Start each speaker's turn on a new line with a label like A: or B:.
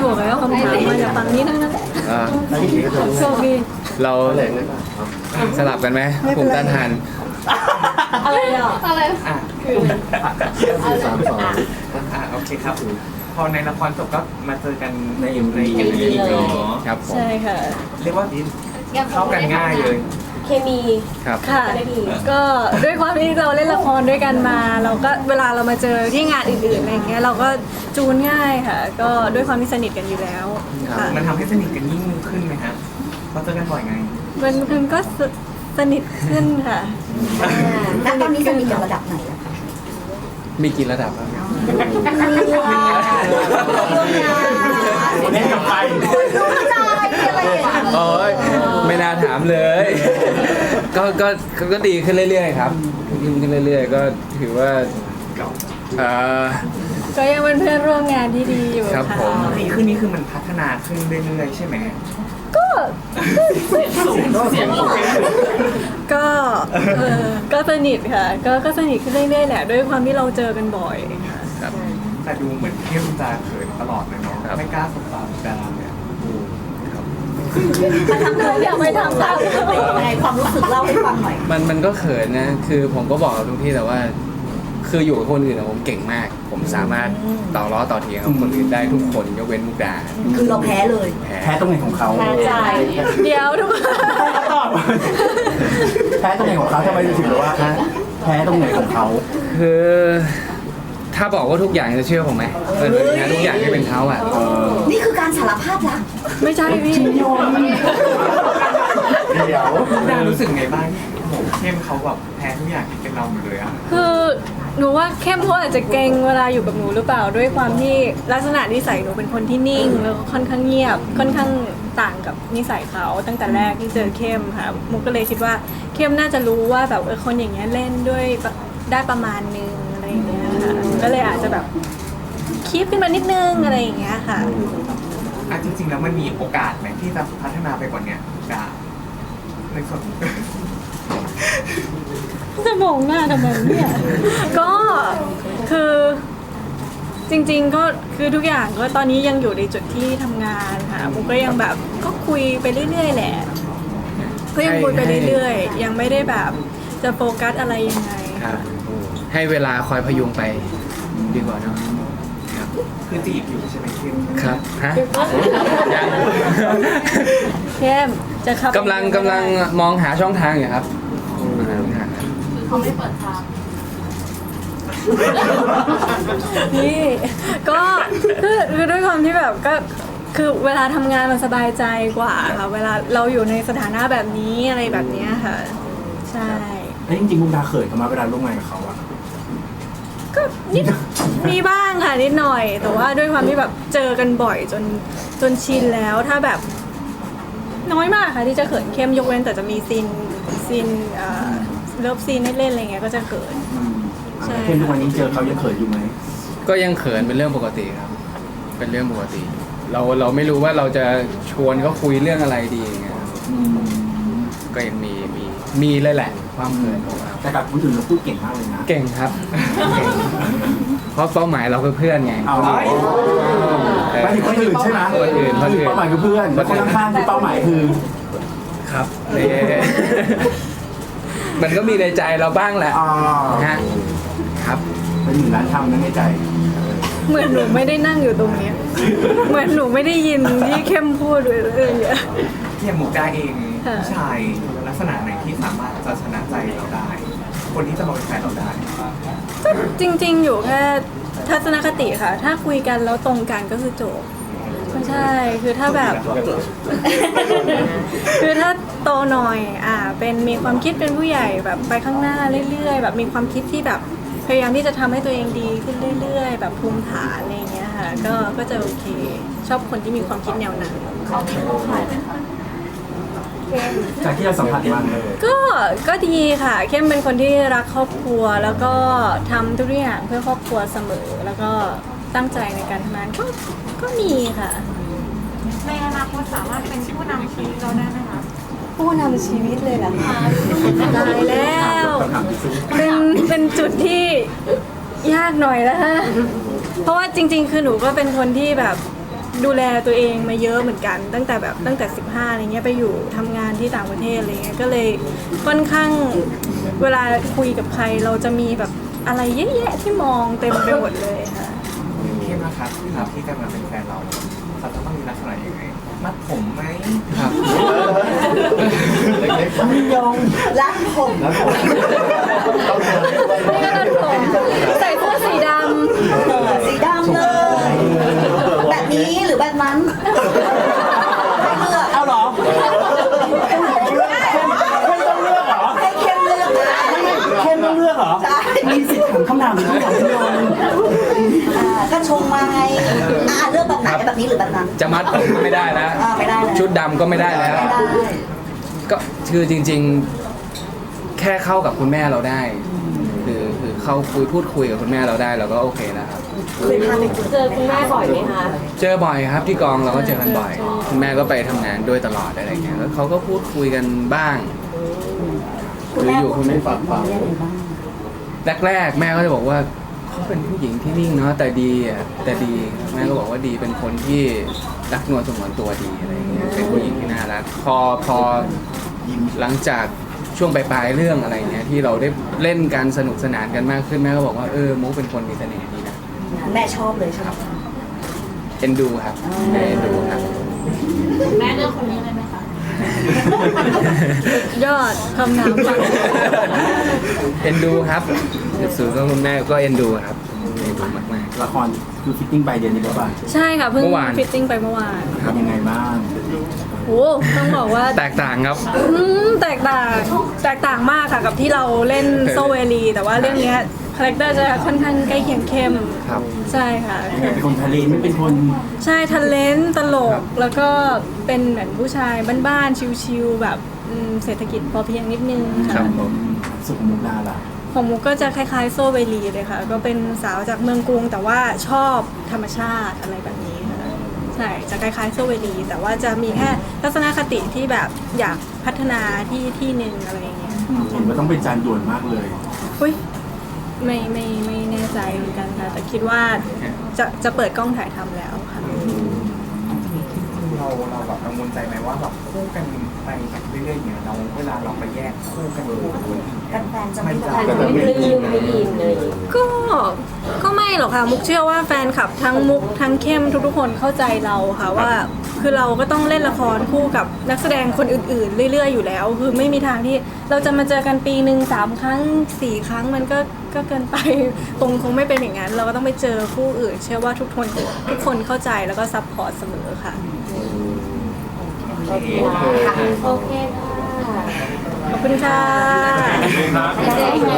A: บอกแล้วคำถามมาจากฝั่งนี้ทั้งนั้นโชคดี
B: เราสลับกันไหมภูมิต้านทาน
A: อะไรอ่ะอะไร
C: โอเคครับพอในละครจบก็มาเจอกันในเอ็มวีเนาะ
B: ครับผม
A: ใช่ค่ะ
C: เรียกว่าเข้ากันง่ายเลย
D: เคมี
B: ครับ
A: ค่ะ ก็ด้วยความที่เราเล่นละครด้วยกันมา เราก็เวลาเรามาเจอที่งานอื่นๆอะไรอย่างเงี้ยเราก็จูนง่ายค่ะ ก็ด้วยความที่สนิทกันอยู่แล้วค่ะ
C: มันทำให้สนิทกันยิ่งขึ้นไหมครับเพราะเจอกันบ่อยไง
A: มันก็สนิทขึ้นค่ะ
D: ณตอนนี้สนิทกับระดับไหนอะคะ
B: มีกี่ระดับครับ
E: เล่นกับใคร
B: โอ้ยไม่น่าถามเลย ก็ดีขึ้นเรื่อยๆครับดีขึ้นเรื่อยๆก็ถือว่าเอ่อ
A: ก็ยังเป็นเพื่อนร่วมงานที่ดีอยู่
B: ครับ
A: ค่ะ
B: ผม
C: นี่ขึ้นนี่คือมันพัฒนาขึ้นเรื่อยๆใช่ไหม
A: ก็ก็สนิทค่ะ ก็สนิทขึ้นเรื่อยๆแหละด้วยความที่เราเจอกันบ่อยค่ะ
B: ครับ
C: แต่ดูเหมือนเข้มจะเขินตลอดเลยเนาะไม่กล้าสบตาดาราเนี่ย
D: มันทำให้เราไม่ทำตามเป็นยังไงความรู้สึกเล่าให้ฟังหน่อย
B: มันก็เขินนะ คือผมก็บอกกับทุกที่แต่ว่า คืออยู่กับคนอื่นอะผมเก่งมาก ผมสามารถต่อล้อต่อเถียงกับคนอื่นได้ทุกคนยกเว้นมุกดา
D: คือเราแพ้เลย
E: แพ้ตรงไหนของเขา
D: ใช่
A: เดี๋ยวทุกคน
E: ตอบแพ้ตรงไหนของเขาทำไมถึงว่าแพ้ตรงไหนของเขา
B: คือถ้าบอกว่าทุกอย่างจะเชื่อผมไหมนะทุกอย่างที่เป็นเขาอ่ะ
D: นี่คือการสารภาพรัก
A: ไม่ใช่พี่
E: เดี๋ยว
C: ดารู้สึกไงบ้างโหเข้มเขาแบบแพ้ทุกอย่างที่เป็นเราหมดเลยอะ
A: คือหนูว่าเข้มเขาอาจจะเกรงเวลาอยู่กับหนูหรือเปล่าด้วยความที่ลักษณะนิสัยหนูเป็นคนที่นิ่งแล้วก็ค่อนข้างเงียบค่อนข้างต่างกับนิสัยเขาตั้งแต่แรกที่เจอเข้มค่ะมุกก็เลยคิดว่าเข้มน่าจะรู้ว่าแบบคนอย่างเงี้ยเล่นด้วยได้ประมาณนึงอะไรอย่างเงี้ยค่ะก็เลยอาจจะแบบคีบขึ้นมานิดนึงอะไรอย่างเงี้ยค่ะ
C: จริงๆแล้วมันมีโอกาสไหมที่จะพัฒนาไปกว่าเนี้ยดาในส่วน
A: จะมองหน้าทำไมเนี่ยก็คือจริงๆก็คือทุกอย่างก็ตอนนี้ยังอยู่ในจุดที่ทำงานค่ะมุกก็ยังแบบก็คุยไปเรื่อยๆแหละก็ยังคุยไปเรื่อยๆยังไม่ได้แบบจะโฟกัสอะไรยังไง
B: ครับ ให้เวลาคอยพยุงไปดีกว่าเนาะครับ
C: คือจีบอยู่ใช่ไหมเข้ม
B: ครับฮะยัง
A: เข้มจะขับ
B: กำลังมองหาช่องทางอยู่ครับหาช่องทางครับ
D: เขาไม่เปิดทาง
A: นี่ก็คือด้วยความที่แบบก็คือเวลาทำงานมันสบายใจกว่าค่ะเวลาเราอยู่ในสถานะแบบนี้อะไรแบบเนี้ยค่ะใช่
E: แล้วจริงๆมุกดาเขินเขามาเวลาร่วมงานกับเขาอะ
A: ก็นิดมีบ้างค่ะนิดหน่อย แต่ว่าด้วยความที่แบบเจอกันบ่อยจนชินแล้วถ้าแบบน้อยมากค่ะที่จะเขินเข้มยกเว้นแต่จะมีซีนเลิฟซีนให้เล่นอะไรเงี้ยก็จะเขิน ใช่
E: เช่นทุกวันนี้เจอเขายังเขินอยู่ไหม
B: ก็ยังเขินเป็นเรื่องปกติครับ เป็นเรื่องปกติ เราไม่รู้ว่าเราจะชวนเขาคุยเรื่องอะไรดีอย่างเงี้ยครับก็ยังมีเลยแหละความเขินของเรา
E: แต่กับคนอื่นเราพูดเก่งมากเลยนะ
B: เก่งครับเก่งเพราะเป้าหมายเราคือเพื่อนไง
E: เอาไปถึงคนอื่นใช่ไหม
B: คนอื่น
E: เป้าหมายคือเพื่อนแล้วคนข้างๆคือเป้าหมายคือ
B: ครับนี่มันก็มีในใจเราบ้างแหละ
E: อ่า
B: ฮะครับ
E: เป็นหนึ่งร้านทำนั่นในใจ
A: เหมือนหนูไม่ได้นั่งอยู่ตรงเนี้ยเหมือนหนูไม่ได้ยินที่เข้มพูดเลยเนี่ย
C: ที่มุกดาเอง
A: ค่ะ
C: ผู้ชายลักษณะไหนที่สามารถจะชนะใจเราได้ คนที่จะมาเป็นแฟนเราได้
A: ก็จริงๆอยู่แค่ทัศนคติค่ะ ถ้าคุยกันแล้วตรงกันก็คือจบไม่ใช่คือถ้าแบบ คือถ้าโตหน่อยเป็นมีความคิดเป็นผู้ใหญ่แบบไปข้างหน้าเรื่อยๆแบบมีความคิดที่แบบพยายามที่จะทำให้ตัวเองดีขึ้นเรื่อยๆแบบภูมิฐานอะไรอย่างเงี้ยค่ะก็จะโอเคชอบคนที่มีความคิดแนวนั้น
D: เขามีโปรไฟล์ไหมคะ
E: จากที่เราสัมผัสมาเลย
A: ก็ดีค่ะเข้มเป็นคนที่รักครอบครัวแล้วก็ทำทุกอย่างเพื่อครอบครัวเสมอแล้วก็ตั้งใจในการทำงานก็มีค่ะ
F: ในอนาคตสามารถเป็นผู้นำชีวิตเราได้ไหมคะ
A: ผู้นำชีวิตเลยเหรอคะตายแล้วเป็นจุดที่ยากหน่อยแล้วฮะเพราะว่าจริงๆ คือหนูก็เป็นคนที่แบบดูแลตัวเองมาเยอะเหมือนกัน ตั้งแต่15อะไรเงี้ยไปอยู่ทำงานที่ต่างประเทศอะไรเงี้ยก็เลยค่อนข้างเวลาคุยกับใครเราจะมีแบบอะไรเยอะแยะที่มองเต็มไปหมดเลยค่ะ
C: เข้มนะครับที่จะมาเป็นแฟนเราเขาจะต้องมีลักษณะยังไงมัดผมไหม
B: ครับ
E: มินยอง
D: รักผม
A: ไม่ก็รัดผมใส่เสื้อสีด
D: สีดำเลย แบบนี้หรือแบบนั้นเลือก
E: เอาเหรอเข้มต้องเลือกเหรอ
D: ให้เข้มเลือกนะ
E: เข้มต้องเลือกเหรอ
D: ใช่
E: มีสิทธิ์ถามคำถามนี้ของพี่ยอง
D: ก็ชงมาไงเลือกแบบไหนแบบนี้หรือแบบนั้น
B: จะมัดผมก็ไม่ได้แล้ว
D: ไม่ได้แล้ว
B: ชุดดำก็ไม่ได้แล้ว
D: ไม่ได้
B: ก็คือจริงๆ แค่เข้ากับคุณแม่เราได้ คือเข้าพูดคุยกับคุณแม่เราได้เราก็โอเคแล้วครับ
D: เคยพาไปเจอคุณแม่บ่อยไหมคะ
B: เจอบ่อยครับที่กองเราก็เจอกันบ่อย คุณแม่ก็ไปทำงานด้วยตลอดอะไรเงี้ยแล้วเขาก็พูดคุยกันบ้างหรืออยู่คุณแม่ฝากฝังแรกๆแม่ก็จะบอกว่าเขาเป็นผู้หญิงที่นิ่งเนาะแต่ดีอ่ะแต่ดีแม่ก็บอกว่าดีเป็นคนที่รักนวลสงวนตัวดีอะไรเงี้ยเป็นผู้หญิงที่น่ารักพอหลังจากช่วงปลายๆเรื่องอะไรเงี้ยที่เราได้เล่นกันสนุกสนานกันมากขึ้นแม่ก็บอกว่ามุกเป็นคนมีเสน่ห์ดีนะ
D: แม่ชอบเลยใช่ไหม
B: เอ็นดูครับแม่เอ็นดูครับ
F: แม่เลือกคนนี้เลยไหมคะ
A: ำยอดคำถามฝัง
B: เอ็นดูครับสุดๆก็คุณแม่ก็เอ็นดูครับเอ็นดูมาก
E: ละครคือฟิตติ้งไปเดือนนี้แล้วป่ะ
A: ใช่ค่ะเพิ่ง
B: เมื่อวาน
A: ฟิตติ้งไปเมื่อวาน
E: เป็นยังไงบ้าง
A: โอ้ต้องบอกว่า
B: ๆแตกต่างครับ
A: แตกต่างมากค่ะกับที่เราเล่นโซเวลีแต่ว่าเรื่องเนี้ยคาแรคเตอร์จะค่อนข้างใกล้เคียงเข้ม
B: ครับ
A: ใช่ค่ะ
E: เป็นคนทะเลไม่เป็นคน
A: ใช่ทันเลนตล
B: ครั
A: ก
B: บ
A: แล้วก็เป็นเหมือนผู้ชายบ้านๆชิวๆแบบเศรษฐกิจพอเพียงนิดนึง
B: ครั
A: ค่ะ
B: บผม
E: สุขมุกดาล่ะ
A: ของมุกก็จะคล้ายๆโซเวลีเลยค่ะ ก็เป็นสาวจากเมืองกรุง แต่ว่าชอบธรรมชาติอะไรแบบนี้ค่ะใช่จะคล้ายๆโซเวลีแต่ว่าจะมีแค่ทัศนคติที่แบบอยากพัฒนาที่หนึ่งอะไรอย่างเงี้ย
E: เห็นว่าต้องเป็นจานด่วนมากเลย
A: อุ้ยไม่แน่ใจเหมือนกันค่ะแต่คิดว่าจะเปิดกล้องถ่ายทำแล้วค่ะ
C: เราแบบกังวลใจไหมว่าแบบคู่กันไปแบบเรื่อยๆเนี่ยเราเวลาเราไปแยกคู่กันอยู่กับคนอื่น
D: แฟนๆจะไม่
C: มันจะ
D: ได้
C: ไม่อินไม่อินเลย
A: ก็ไม่หรอกค่ะมุกเชื่อว่าแฟนคลับทั้งมุกทั้งเข้มทุกๆคนเข้าใจเราค่ะว่าคือเราก็ต้องเล่นละครคู่กับนักแสดงคนอื่นๆเรื่อยๆอยู่แล้ว คือไม่มีทางที่เราจะมาเจอกันปีหนึ่ง3 ครั้ง 4 ครั้งมันก็เกินไป คงไม่เป็นอย่างนั้น เราก็ต้องไปเจอคู่อื่น เชื่อว่าทุกคนเข้าใจแล้วก็ซัพพอร์ตเสมอค่ะ
F: โอเคค่ะ
A: ขอบคุณค่ะ
F: เจ๊